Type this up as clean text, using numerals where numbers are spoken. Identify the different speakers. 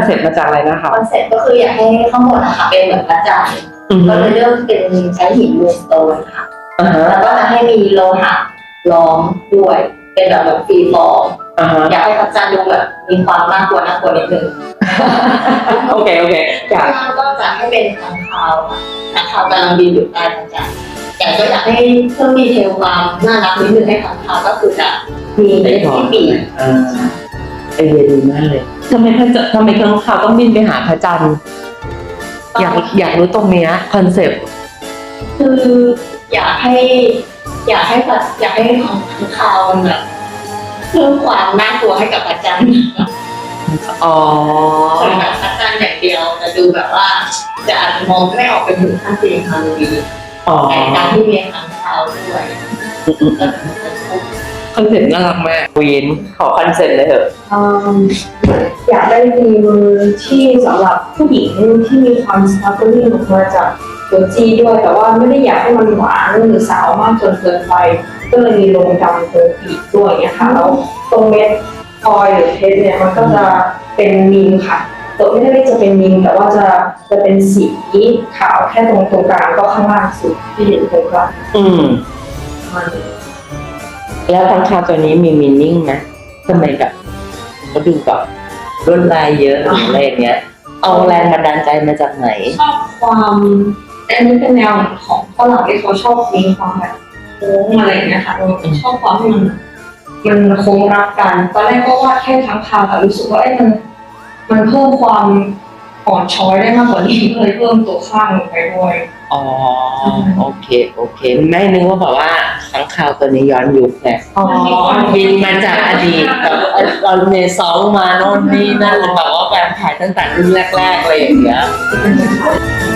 Speaker 1: เซ็ปต์มาจากอะไรนะคะ
Speaker 2: คอนเซ็ปต์ก็คืออยากให้ข้างบนนะคะเป็นเหมือนพระจันทร์ก็เลยเลือกเป็นใช้หินมูนสโตนค่ะแล้วก็จะให้มีโลหะล้อมด้วยเป็นแบบฟรีฟอร์มอยากให้พระจันทร์ดูแบบมีความน่ากลัวนิดนึง
Speaker 1: โอเค
Speaker 2: ข้างล่างก็จะให้เป็นค้างคาวค่ะค้างคาวกำลังบินอยู่ใต้พระจันทร์แต่ก็อยากให้เพิ่มดีเทลความน่ารักนิดนึงให้ค้างคาวก็คือจะมีเล็บที่ปีก
Speaker 1: ไอเดียดีมากเลยทำไมค้างคาวต้องบินไปหาพระจันทร์อยากรู้ตรงเนี้ยคอนเซ็ปต์
Speaker 2: คืออยากให้ของค้างคาวมันแบบเพิ่มความน่ากลัวให้กับพระจันทร์แบบพระจันทร์อย่างเดียวจะดูแบบว่าจะอาจจะมองไม่ออกเป็นถึงขั้นเป็นฮาโลวีนแต่การที่มีค้างคาวด้วย
Speaker 1: คอนเซ็ปต์น่ารักมากวีนขอคอนเซ็ปต์เลยเถอะ
Speaker 3: อยากได้มีมือที่สำหรับผู้หญิงที่มีความสปาร์คลิ่งออกมาจากตัวจีด้วยแต่ว่าไม่ได้อยากให้มันหวานหรือสาวมากจนเกินไปก็เลยมีลงดำตัวปีกด้วยเนี่ยค่ะแล้วตรงเม็ดออยล์หรือเพชรเนี่ยมันก็จะเป็นมีมค่ะตัวไม่ได้จะเป็นมีมแต่ว่าจะเป็นสีขาวแค่ตรงกลางก็ข้างล่างสุดที่เห็นตรงกลาง
Speaker 1: แล้วค้างคาวตัวนี้มีมีนิ่งไหมทำไมแบบก็ดูแบบลวดลายเยอะอะไรอย่างเงี้ยเอาแรงบันดาลใจมาจากไหน
Speaker 3: ชอบความอันนี้เป็นแนวของฝรั่งที่เขาชอบมีความแบบโค้งอะไรอย่างเงี้ยค่ะชอบความที่มันโค้งรักกันตอนแรกก็วาดแค่ค้างคาวแต่รู้สึกว่ามันเพิ่มความอ่อนช้อยได้มากกว่านี้เลยเพิ่มตัวข้างลงไปด้วย
Speaker 1: โอเคแม่นึกว่าแบบว่าค้างคาวตัวนี้ย้อนยุคไงบินมาจากอดีตแบบตอนเมซองมาโน่นนี่นั่นแบบว่าแบบถ่ายตั้งแต่รุ่นแรกๆอะไรอย่างเงี้ย